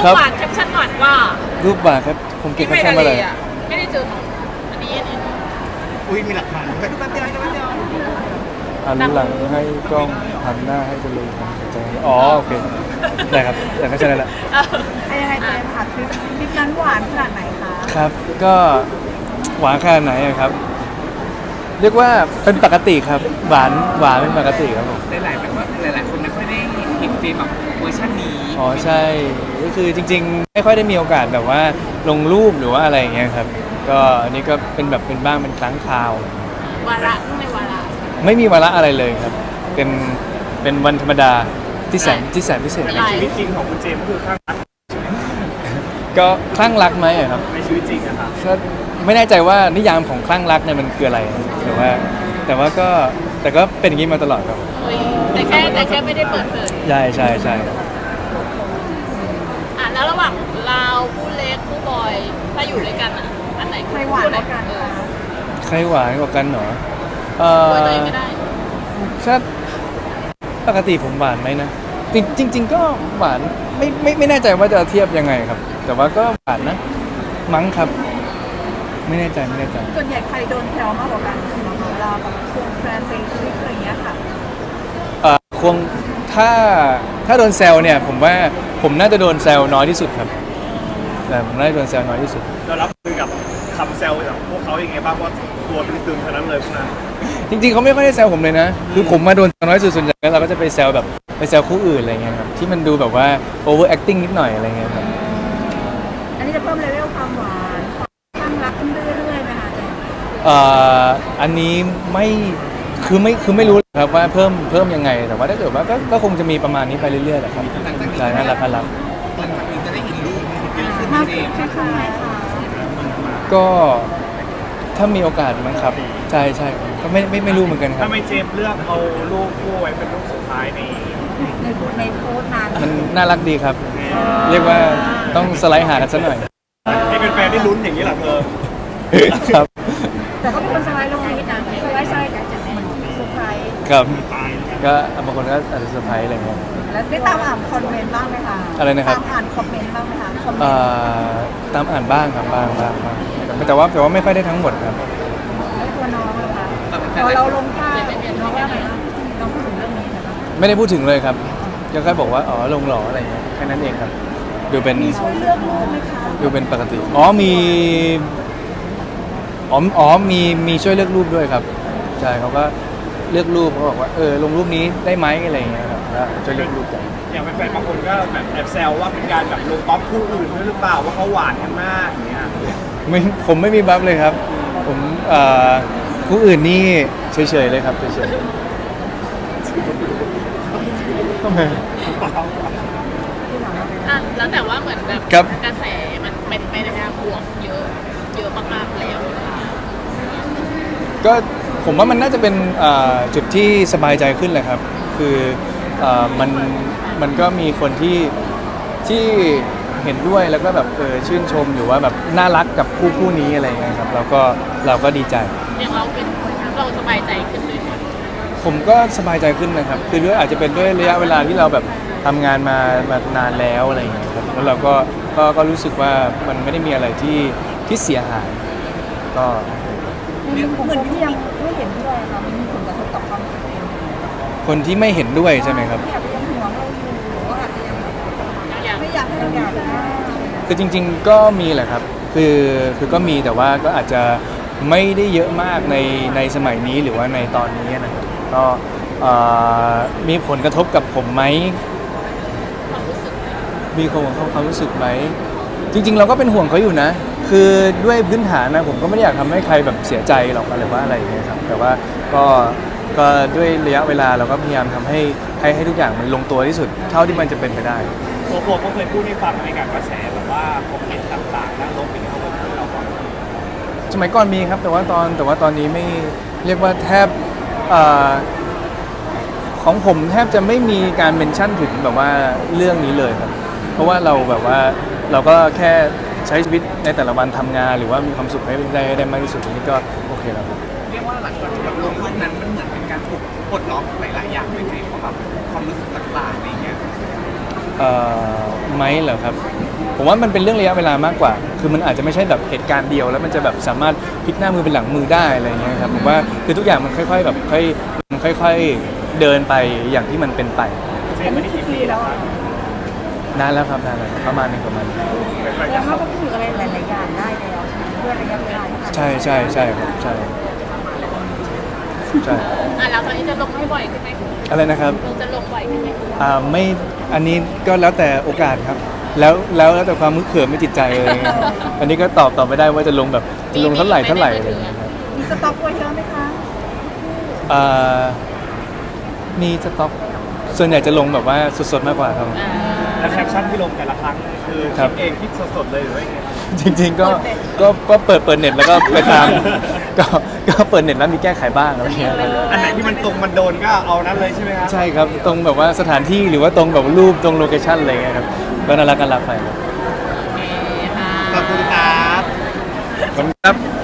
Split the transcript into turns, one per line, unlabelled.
หวานแคปชั่นหวานว่า
รูปหวานครับผมเก็บแคปชั่นมาเลย
ไม่ได้เจอของอันนี้
อุ้ยมีหลักฐานด้วยแป๊บเดียวแป๊บเดียว
หันหลังให้กล้องหันหน้าให้กันเลยใจอ๋อโอเคได้ครับแต่ก็ใช่แล้วแหละ
ยังไงเจมส์ค่ะคลิปนั้นหวานขนาดไหนคะ
ครับก็หวานขนาดไหนอะครับเรียกว่าเป็นปกติครับหวานเป็นปกติครับผม
หลายๆแบบว่าหลายๆคนไม่ค่อยได้เห็นเจมแบบเวอร์ชันนี้
อ๋อใช่ก็คือจริงๆไม่ค่อยได้มีโอกาสแบบว่าลงรูปหรือว่าอะไรอย่างเงี้ยครับก็อันนี้ก็เป็นแบบเป็นบ้างเป็นครั้งคราว
วาระไม่วาระ
ไม่มีวาระอะไรเลยครับเป็นวันธรรมดาที่แสนพิเศษ
ในชีวิตจริงของคุณเจมก็คือข้างรัก
ก็คลั่งรักไหมครับ
ในชีวิตจริงอะครับ
ก็ไม่แน่ใจว่านิยามของคลั่งรักเนี่ยมันคืออะไรแต่ว่าก็เป็นอย่างนี้มาตลอดครับ
แต่แค่ไม่ได้เปิดเผย
ใช่
แล้วระหว่างเราผู้เล็กผู้บอยถ้าอยู่ด้วยกันอันไหน
ใครหวานกว่ากัน
ใครหวานกว่ากันเหรอ
ตัวเองไม่ได้
ถ้าปกติผมหวานไหมนะจริงก็หวานไม่แน่ใจว่าจะเทียบยังไงครับแต่ว่าก็หวานนะมั้งครับไม่แน่ใจ
ส่วนใหญ่ใครโดนแซวมากกว่ากันสำหรับเราแบบควงแฟนไปทริปอะไรอย่างเงี้ยค่ะ
ควงถ้าโดนแซวเนี่ยผมว่าผมน่าจะโดนแซวน้อยที่สุดครับแต่ผมน่าจะโดนแซวน้อยที่สุด
เรารับมือกับคำแซวจากพวกเขาอย่างไงบ้างว่าตัวตึงๆเท่านั้นเลยพวกนั้น
จริงๆเขาไม่ค่อยได้แซวผมเลยนะคือผมมาโดนแซวน้อยสุดส่วนใหญ่เราก็จะไปแซวแบบไปแซวคู่อื่นอะไรเงี้ยครับที่มันดูแบบว่า over acting นิดหน่อยอะไรเงี้ยครับ
อันนี้จะเพิ่มเลเวลความหวานความรักขึ้นเรื่อยๆไหมคะ
อันนี้ไม่รู้ครับว่าเพิ่มยังไงแต่ว่าถ้าเกิดว่าก็คงจะมีประมาณนี้ไปเรื่อยๆแหละครับใช่น่ารัก
หลังจากนี้จะได้เห็นรูปเยอะขึ้นเจม
ก็ถ้ามีโอกาสมั้งครับใช่ก็ไม่รู้เหมือนกันครับ
ถ้าไม่เจมเลือกเอารูปคู่ไว้เป็นรูปสุดท้าย
ในโพสต์นั้น
มันน่ารักดีครับเรียกว่าต้องสไลด์หากันสักหน่อย
ให้เป็นแฟนที่ลุ้นอย่างนี้หรอเธอ
ครับ
แต่ก็มีคนสไลด์ลงนี้นะสไลด์เหมือนเซอร์ไพรส์
ครับก็บางคนก็อาจจะเซอร์ไพรส์อะไรเงี้ย
แล้วได้ตามอ่านคอมเมนต์บ้างไหมคะ
อะไรนะครับ
ตามอ่านคอมเมนต์บ้างไหมคะ
ตามอ่านบ้างครับบ้างแต่ว่าไม่ค่อยได้ทั้งหมดครับ
แล้วตัวน้องนะคะพอเราลงภาพน้องว่าไงน้องพูดถึงเรื่องนี้ไหมคะ
ไม่ได้พูดถึงเลยครับก็แค่บอกว่าอ๋อลงหล่ออะไรเงี้ยแค่นั้นเองครับดูเป็น
มีช่วยเลือกรูปไหมคะ
ดูเป็นปกติมีช่วยเลือกรูปด้วยครับใช่เขาก็เลือกรูปเขาบอกว่าลงรูปนี้ได้ไหมอะไรเงี้ยครับแล้วช่วยเลือกรูปกัน
อย่างแฟนบางคนก็แบบแอบแซวว่าเป็นการแบบลงป๊อปคู่อื่นด้วยหรือเปล่าว่าเขาหวานกันมากอย่างเงี้ย
ผมไม่มีบัฟเลยครับผมคู่อื่นนี่เฉยๆเลยครับเฉยๆ
แล้วแต่ว่าเหมือนแบบกระแสมันไม่ได้บวกเยอะมากๆแล้ว
ก็ผมว่ามันน่าจะเป็นจุดที่สบายใจขึ้นแหละครับคือมันก็มีคนที่เห็นด้วยแล้วก็แบบชื่นชมอยู่ว่าแบบน่ารักกับคู่นี้อะไรอย่างเงี้ยครับเราก็ดีใจ
อย่างเราสบายใจขึ้นด้วย
ผมก็สบายใจขึ้นนะครับคือด้วยอาจจะเป็นด้วยระยะเวลาที่เราแบบทำงานมานานแล้วอะไรอย่างเงี้ยครับแล้วเราก็รู้สึกว่ามันไม่ได้มีอะไรที่เสียหายก็
เหมือนที่ยังไม่เห็นด้วยค่ะมันมีผลกระทบต่อความสัมพันธ์
คนที่ไม่เห็นด้วยใช่ไหมครับ
อยากยังห่วงเราอยู่หรือว่าอาจจะยังไม่อยากให้เราอยาก
คือจริงๆก็มีแหละครับคือก็มีแต่ว่าก็อาจจะไม่ได้เยอะมากในสมัยนี้หรือว่าในตอนนี้นะครับก็มีผลกระทบกับผมไหมมีความรู้สึกไหมจริงๆเราก็เป็นห่วงเขาอยู่นะคือด้วยพื้นฐานนะผมก็ไม่ได้อยากทำให้ใครแบบเสียใจหรอกอะไรว่าอะไรอย่างเงี้ยครับแต่ว่าก็ด้วยระยะเวลาเราก็พยายามทำให้ทุกอย่างมันลงตัวที่สุดเท่าที่มันจะเป็นไปได้
ตัวผมก็เคยพูดให้ฟังในการกระแสแบบว่าคอมเมนต์ต่างๆด้านลบเป็นเขาบอกเราก่อน
สมัยก่อนมีครับแต่ว่าตอนนี้ไม่เรียกว่าแทบของผมแทบจะไม่มีการเมนชั่นถึงแบบว่าเรื่องนี้เลยครับเพราะว่าเราแบบว่าเราก็แค่ใช้ชีวิตในแต่ละวันทำงานหรือว่ามีความสุขให้ได้มากที่สุดนี่ก็โอเคแล้วครับ
เรียกว่าหลังจากแบบลงรูปนั้นมันเหมือนเป็นการถูกปลดล็อกหลายๆอย่างเลยเพราะแบบความรู้สึกต่างๆอะไรเงี้ย
ไหมเหรอครับผมว่ามันเป็นเรื่องระยะเวลามากกว่า คือมันอาจจะไม่ใช่แบบเหตุการณ์เดียวแล้วมันจะแบบสามารถพลิกหน้ามือเป็นหลังมือได้อะไรเงี้ยครับผมว่าคือทุกอย่างมันค่อยๆแบบค่อยๆเดินไปอย่างที่มันเป็นไป
เซ็นไม่ได้กี่ปีแล้วครับ
นานแล้วครับนานแล้วประมาณนึงประมาณนึง
แล้วเขาก็พูดอะไรหลายๆอย่างได้แล้วใช่ไหมเพื่อระยะเวลาที่ผ่านมา
ใช่ใช่ใช่ครับใช่ใช่
แล้วตอนนี้จะลงให้บ่อยขึ้นไหม
อะไรนะครับ
จะลงบ่อยขึ้นไหม
ไม่อันนี้ก็แล้วแต่โอกาสครับ แล้วแต่ความมึกเขิมไม่จิตใจอะไรเงี้ยอันนี้ก็ตอบไม่ได้ว่าจะลงแบบจะลงเท่าไหร่อะไรเงี้ยครับ
มีสต็อกไว้เยอะไหมคะ
อ่ามีสต็อกส่วนใหญ่จะลงแบบว่าสดๆมากกว่าครับ
แล้วแคปชั่นที่ลงแต่ละครั้งคือ
ครั
คิ
บ
ดเองคิดสดๆเลยหรือว่าไง
จริงๆก็เปิดเน็ตแล้วก็ไปตาม ก็เปิดเน็ตแล้วมีแก้ไขบ้างอะไรเงี้ยครับ
อันไหนที่มันตรงมันโดนก็เอานั้นเลยใช่ไหมครับ
ใช่ครับตรงแบบว่าสถานที่หรือว่าตรงแบบรูปตรงโลเคชั่นอะไรเงี้ยครับก็น่ารักไปครับ
โอเคค่ะ
ขอบคุณครับ
ขอบคุณครับ